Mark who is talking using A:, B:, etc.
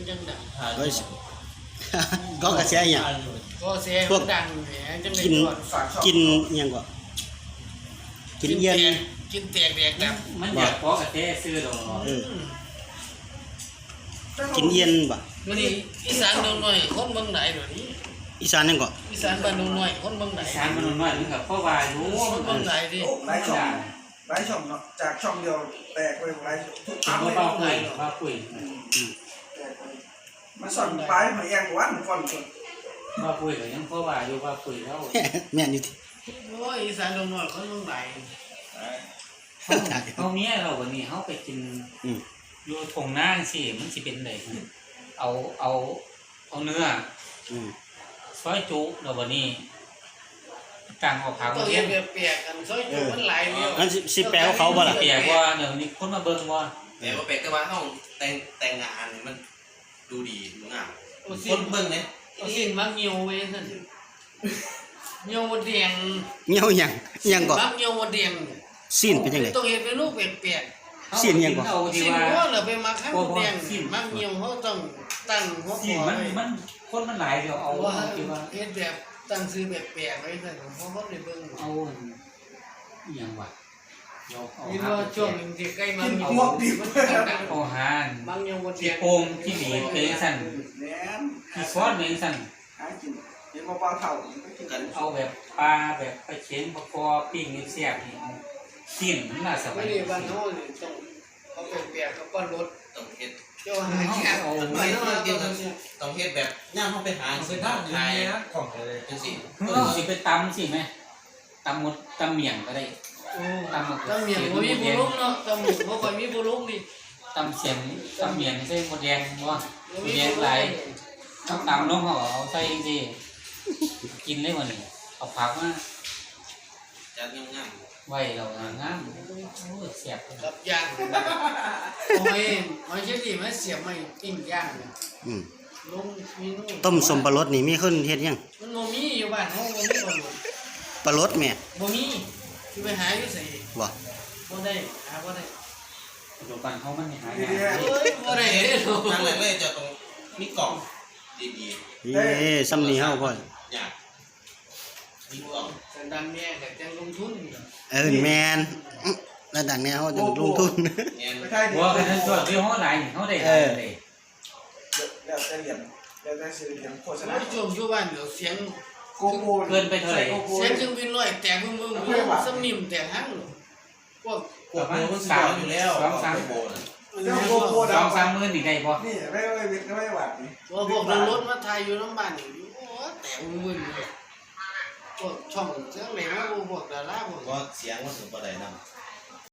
A: จังดัง
B: ก็กระแสอย่าง
A: ก็เสียงดังแหมจังเลยก่อน
B: กินยังก็กินเย็น
A: กินแตกแดกดับ
C: มันอยากขอกระเทซื้อดอก
B: กินเย็นบ่
A: มื้อนี้อีสานดงน้อยคนเมืองไหนเดี๋ยวนี้
B: อีสานยังก็
A: อีสานบ้านดงน้อยคนเมืองไหน
C: สารมันน้อยมันกับพ่อวายรู้
A: คนเมืองไหนดิ
D: หลายช่องเนาะจากช่องเดียวแตกไปหลายทุก
C: กิน
D: เลย
C: บ้าคุยบ้าคุย
D: แตกไปมันสั่นปลายมันแองวันก่อนส่วน
C: บ้าคุยก็ยังพ่อวายอยู่บ้าคุยแล้ว
B: แม่นอยู่ที่
A: โอ้ยอีสานดงน้อยคนเมืองไหน
C: เขาเนี้ยเราวันนี้เขาไปกินอยู่ทงน่างสิมันสิเป็นไรเอาเนื้อซอยจุเราวันนี้จังออกขาว
A: ตัว
C: เที
A: เฮ็
C: ย
A: ด
C: น
A: เปียกกันซอยจุมันหลายเดียว
B: งั้นสิแปลว่าเขาบ่ล่ะ
C: เปียกว่าเดี๋ยวนี้คนมาเบิ่งว่า
E: แต่ว่าเป็ดแต่ว่าห้องแต่งงานมันดูดีดูงาม
A: โอ้
E: ค
A: สิ
E: นเบิ่งเนี่ย
A: โอ้สิมักเหี่ยวเว้ยซั่นเหี่ยวแดง
B: เงี้ยวยังก็
A: มักเหี่ยวแดง
B: ซีนเป็นจังได๋
A: ต้องเฮ็ดเป็นรูปเปียก
B: เสียนยังก่อน
C: เอา
A: ๆ
C: ที่
A: สิ
C: ว่า
A: หัวแล้วไปมักข้างแดงมักเหี่ยวเฮาต้องตั้งหัว
C: สิ
A: คอ
C: มัน
A: ไว้
C: มันคนมันหลายเดี๋ยวเอา
A: ว่า
C: ที่ว่า
A: เฮ็ดแบบตั้งชื่อแบบแปลกไว้ซั่นเพราะคนได้เบิ่ง
C: เอาอหย่างวะเราเอา
A: นี่ว่าช่วงนึงที่ใกล้มัน
D: หมวกดิบ
C: เอาหาน
A: มักเหี่ยวบ่แด
C: ที่
A: ง
C: โปงที่หลีเป็นสั่น
D: แหนม
C: ที่ซอสเป็นสั่น
D: หากินเห็นว่าปลาเถ่าก็กินกัน
C: เอาแบบปลาแบบปลาเค็มปลาคอปิ้งเสียบนี่เอาสิ้นมันน่าสบา
A: ไม่
C: ย
A: ได้บ้านเฮานี่ต้องเอาแปลกๆกับก้อนรถ
E: ต้องเฮ็ด
A: เจ้าหาแค่เอาไปเนาะเนี่ย
E: ต้องเฮ็ดแบบย่างเข้าไปหาสิบ้านไทยของอะไรจังสิ
C: เอาสิไปตำสิไหมตำหมดตำเมี่ยงก็ได้
A: โอ้ตำเมียงบ่มีผู้ลุกเนาะตำหมูบ่ค่อยมีผู้ลุกนี่
C: ตำเสียงตำเมี่ยงใส่หมดแดงบ่หมดแดงหลายเอาตำลงเอาใส่สิกินได้บ่นี่เอาผักมา
E: จัดงาม
C: ไว้เรางามโอ้ยเสียบ
A: กับย่างโอ้ยมันสิดีมันเสียบไม่ปิ้งย่างเนี่ย
B: อืม
A: ลงเมนู
B: ต้มสมปลารสนี่มีคนเฮ็ดยัง
A: มันบ่มีอยู่บ้านเฮาบ่มีบ่รู้
B: ปลารสแม่
A: บ่มีสิไปหาอยู่ไส
B: บ่
A: บ่ได้หาบ่ได้
C: ปัจจุบันเขามันหายาก
A: เอ้ยบ่ได้เด้อ
E: ๆทางแรกเลยจะต้องมีกล่องดี
B: เอ้ซ้ำนี่เฮาพ่อ
E: ๆอยากมีกล่อง
A: สันดานแม่ก็จังลงทุนนี่
B: แม่นระดับแนวเฮาจะลงทุน
E: เงี้ย
D: ไม่ใช่ดิ
C: บัวกันนั้นส่วนที่เขาหลายเขาได้หลายเลย
D: แล้วแต่เหรียญแล้วแต่ซื้อเหรียญโฆษณา
A: แล้วช่วงอยู่บ้านเดี๋ยวเสียง
D: โกโก้
C: เกินไปเท่าไหร่
A: เสียงเครื่องบินลอยแตกมึงสมิมแตกหังพวก
E: พวกโบมันสาวอยู่แล้วโบนะ
D: แล้วโกโก้
C: สองสามหมื่นอีกได้บ่
D: นี่ไม่วิทย์ไม่หวัดนี่
A: พวกรถมาไทยอยู่น้ำบ้านนี่โอ้แตกมึนพวกช่องเสียงไหนมาพวกดาราพวก
E: ก็เสียงมันถึงประเด็นนั้น